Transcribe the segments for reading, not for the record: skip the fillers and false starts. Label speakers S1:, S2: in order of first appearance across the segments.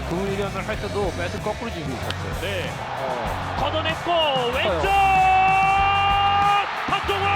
S1: 그 훈련을 할 때도 배트 거꾸로 쥐고 있었어요.
S2: 네. 걷어냈고 왼쪽 박동원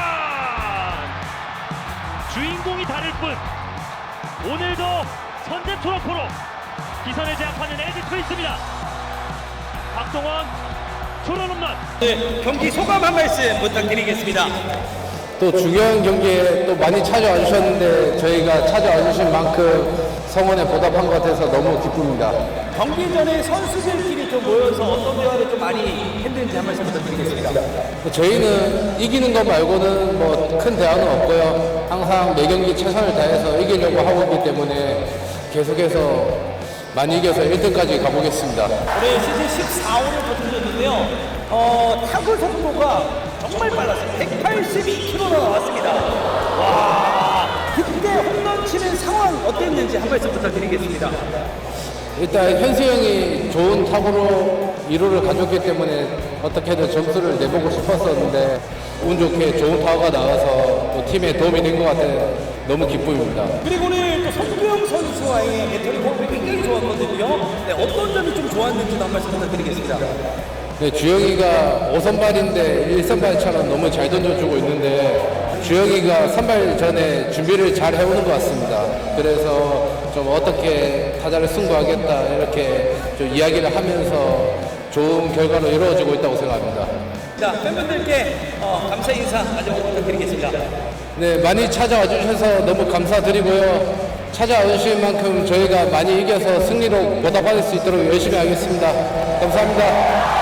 S2: 주인공이 다를 뿐 오늘도 선제 트로포로 기선을 제압하는 LG 트윈스입니다. 박동원 초론 홈런.
S3: 네, 경기 소감 한 말씀 부탁드리겠습니다.
S4: 또 중요한 경기에 또 많이 찾아와 주셨는데 저희가 찾아와 주신 만큼 성원에 보답한 것 같아서 너무 기쁩니다.
S3: 경기 전에 선수들끼리 좀 모여서 어떤 대화를 좀 많이 했는지 한 말씀 부탁드리겠습니다.
S4: 저희는 이기는 것 말고는 뭐 큰 대화는 없고요. 항상 매 경기 최선을 다해서 이기려고 하고 있기 때문에 계속해서 많이 이겨서 1등까지 가보겠습니다.
S3: 올해 시즌 14호를 거두셨는데요. 타구 속도가 정말 빨랐어요. 182km나 나왔습니다. 와, 그때 홈런 치는 상황 어땠는지 한 말씀 부탁드리겠습니다.
S4: 일단 현수 형이 좋은 타구로 1호를 가져왔기 때문에 어떻게든 점수를 내보고 싶었었는데 운 좋게 좋은 타구가 나와서 또 팀에 도움이 된 것 같아서 너무 기쁨입니다.
S3: 그리고 오늘 또 손주영 선수와의 배터리 호흡이 굉장히 좋았거든요. 네, 어떤 점이 좀 좋았는지도 한 말씀 부탁드리겠습니다.
S4: 네, 주영이가 5선발인데 1선발처럼 너무 잘 던져주고 있는데 주영이가 선발 전에 준비를 잘 해오는 것 같습니다. 그래서 좀 어떻게 타자를 승부하겠다 이렇게 좀 이야기를 하면서 좋은 결과로 이루어지고 있다고 생각합니다.
S3: 자, 팬분들께 감사 인사 마지막으로 부탁드리겠습니다.
S4: 네, 많이 찾아와 주셔서 너무 감사드리고요. 찾아와 주신 만큼 저희가 많이 이겨서 승리로 보답할 수 있도록 열심히 하겠습니다. 감사합니다.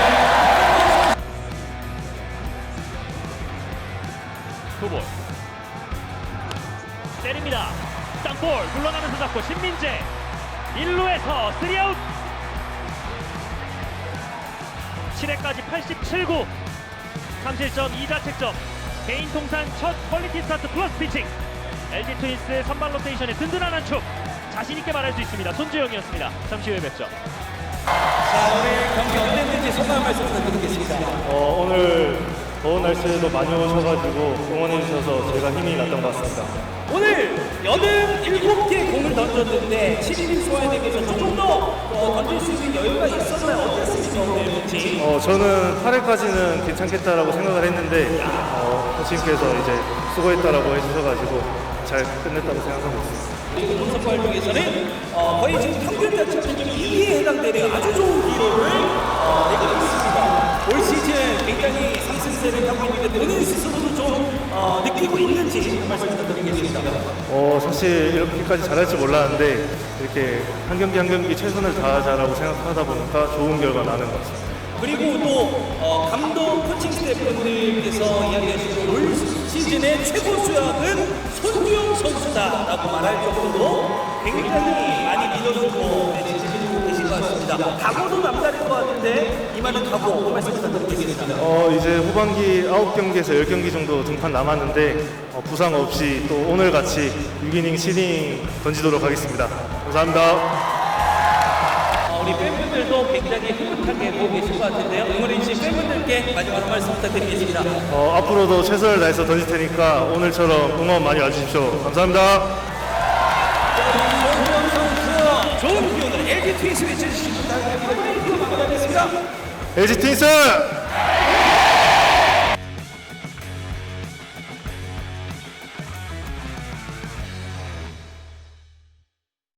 S2: 투볼 때립니다. 땅볼 굴러가면서 잡고 신민재 1루에서 3아웃. 7회까지 87구 3실점 2자책점 개인 통산 첫 퀄리티 스타트 플러스 피칭. LG 트윈스의 선발 로테이션의 든든한 한 축 자신있게 말할 수 있습니다. 손주영이었습니다. 잠시 후에 뵙죠.
S3: 자, 오늘 경기 어땠는지 소감 한 말씀 부탁드리겠습니다.
S5: 오늘 더운 날씨에도 많이 오셔가지고 응원해주셔서 제가 힘이 났던 것 같습니다.
S3: 오늘 87개의 공을 던졌는데 7인인 소화에대해서 조금 더 던질 수 있는 여유가 있었나요? 어땠습니까 오늘 펀치?
S5: 저는 8회까지는 괜찮겠다라고 생각을 했는데 코치님께서 이제 수고했다라고 해주셔가지고 잘 끝냈다고 생각하고 있습니다.
S3: 그리고 본선발 중에서는 거의 지금 평균 자체는 2위에 해당되는 아주 좋은 기록을 내고 있습니다. 올 시즌 굉장히 상승세를 하고 있는데 본인 스스로도 좀 느끼고 있는지 한 말씀 부탁드리겠습니다.
S5: 사실 이렇게까지 잘할 줄 몰랐는데 이렇게 한 경기 한 경기 최선을 다하자라고 생각하다 보니까 좋은 결과 나는 것 같습니다.
S3: 그리고 또 감독 코칭 스태프분들께서 이야기하시는 올 시즌의 최고 수약은 손주영 선수다라고 말할 정도로 굉장히 많이 믿어주고 지지해주고 계신 것 같습니다. 각오도 남다를 것 같은데 이만한 각오 한 말씀 부탁드리겠습니다.
S5: 이제 후반기 9경기에서 10경기 정도 등판 남았는데 부상 없이 또 오늘같이 6이닝 7이닝 던지도록 하겠습니다. 감사합니다.
S3: 우리 팬분들도 굉장히 흐뭇하게 보고 계실 것 같은데요. 응원해주신 팬분들께 마지막으로 말씀 부탁드리겠습니다.
S5: 앞으로도 최선을 다해서 던질 테니까 오늘처럼 응원 많이 와주십시오. 감사합니다.
S3: 손주영 선수 좋은 기운을 LG 트윈스 외쳐주시기 바랍니다. LG 트윈스!
S5: LG 트윈스!